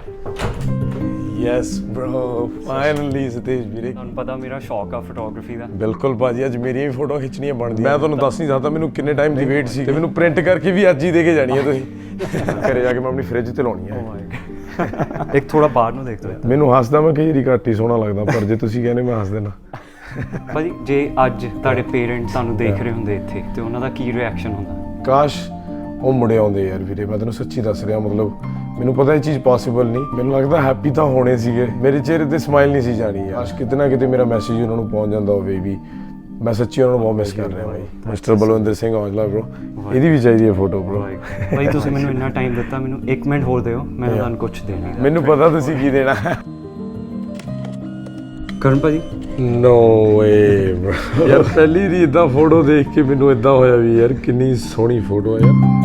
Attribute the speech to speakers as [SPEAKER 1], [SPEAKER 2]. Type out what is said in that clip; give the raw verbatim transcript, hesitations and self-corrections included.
[SPEAKER 1] Yes bro finally ਸਤੇਜ ਵੀਰੇ
[SPEAKER 2] ਤੁਹਾਨੂੰ ਪਤਾ ਮੇਰਾ ਸ਼ੌਕ ਆ ਫੋਟੋਗ੍ਰਾਫੀ ਦਾ।
[SPEAKER 1] ਬਿਲਕੁਲ ਭਾਜੀ ਅੱਜ ਮੇਰੀਆਂ ਵੀ ਫੋਟੋ ਖਿੱਚਣੀਆਂ ਬਣਦੀਆਂ। ਮੈਂ ਤੁਹਾਨੂੰ ਦੱਸ ਨਹੀਂ ਸਕਦਾ ਮੈਨੂੰ ਕਿੰਨੇ ਟਾਈਮ ਦੀ ਵੇਟ ਸੀ ਤੇ ਮੈਨੂੰ ਪ੍ਰਿੰਟ ਕਰਕੇ ਵੀ ਅੱਜ ਹੀ ਦੇ ਕੇ ਜਾਣੀ ਹੈ ਤੁਸੀਂ। ਘਰੇ ਜਾ ਕੇ ਮੈਂ ਆਪਣੀ ਫ੍ਰਿਜ ਤੇ ਲਾਉਣੀ ਹੈ।
[SPEAKER 2] ਇੱਕ ਥੋੜਾ ਬਾਹਰ ਨੂੰ ਦੇਖ ਲਓ।
[SPEAKER 1] ਮੈਨੂੰ ਹੱਸਦਾ ਮੈਂ ਕਈ ਵਾਰੀ ਘੱਟ ਹੀ ਸੋਹਣਾ ਲੱਗਦਾ, ਪਰ ਜੇ ਤੁਸੀਂ ਕਹਿੰਦੇ ਮੈਂ ਹੱਸ ਦੇਣਾ।
[SPEAKER 2] ਭਾਜੀ ਜੇ ਅੱਜ ਤੁਹਾਡੇ ਪੇਰੈਂਟਸ ਤੁਹਾਨੂੰ ਦੇਖ ਰਹੇ ਹੁੰਦੇ ਇੱਥੇ ਤੇ ਉਹਨਾਂ ਦਾ ਕੀ ਰਿਐਕਸ਼ਨ ਹੁੰਦਾ?
[SPEAKER 1] ਕਾਸ਼ ਉਹ ਮੁੜੇ ਆਉਂਦੇ ਯਾਰ ਵੀਰੇ, ਮੈਂ ਤੈਨੂੰ ਸੱਚੀ ਦੱਸ ਰਿਹਾ। ਮਤਲਬ ਮੈਨੂੰ ਪਤਾ ਇਹ ਚੀਜ਼ ਪੋਸੀਬਲ ਨਹੀਂ, ਮੈਨੂੰ ਲੱਗਦਾ ਹੈਪੀ ਤਾਂ ਹੋਣੇ ਸੀਗੇ, ਮੇਰੇ ਚਿਹਰੇ ਤੇ ਸਮਾਈਲ ਨਹੀਂ ਸੀ ਜਾਣੀ ਯਾਰ। ਕਾਸ਼ ਕਿਤੇ ਨਾ ਕਿਤੇ ਮੇਰਾ ਮੈਸੇਜ ਉਹਨਾਂ ਨੂੰ ਪਹੁੰਚ ਜਾਂਦਾ ਹੋਵੇ ਵੀ ਮੈਂ ਸੱਚੀ ਉਹਨਾਂ ਨੂੰ ਬਹੁਤ ਮਿਸ ਕਰ ਰਿਹਾ ਬਾਈ। ਮਿਸਟਰ ਬਲਵਿੰਦਰ ਸਿੰਘ ਔਜਲਾ ਬ్రో, ਇਹਦੀ ਵੀ ਚਾਹੀਦੀ ਹੈ ਫੋਟੋ ਬ్రో।
[SPEAKER 2] ਭਾਈ ਤੁਸੀਂ ਮੈਨੂੰ ਇੰਨਾ ਟਾਈਮ ਦਿੱਤਾ, ਮੈਨੂੰ ਇੱਕ ਮਿੰਟ ਹੋਰ ਦਿਓ, ਮੈਂ ਤੁਹਾਨੂੰ ਕੁਝ ਦੇਣਾ।
[SPEAKER 1] ਮੈਨੂੰ ਪਤਾ ਤੁਸੀਂ ਕੀ ਦੇਣਾ।
[SPEAKER 2] ਕਰਨ ਭਾਜੀ
[SPEAKER 1] ਨੋ ਵੇ ਬ్రో, ਯਾਰ ਪਹਿਲੀ ਦੀ ਇਦਾਂ ਫੋਟੋ ਦੇਖ ਕੇ ਮੈਨੂੰ ਇਦਾਂ ਹੋਇਆ ਵੀ ਯਾਰ ਕਿੰਨੀ ਸੋਹਣੀ ਫੋਟੋ ਹੈ ਯਾਰ।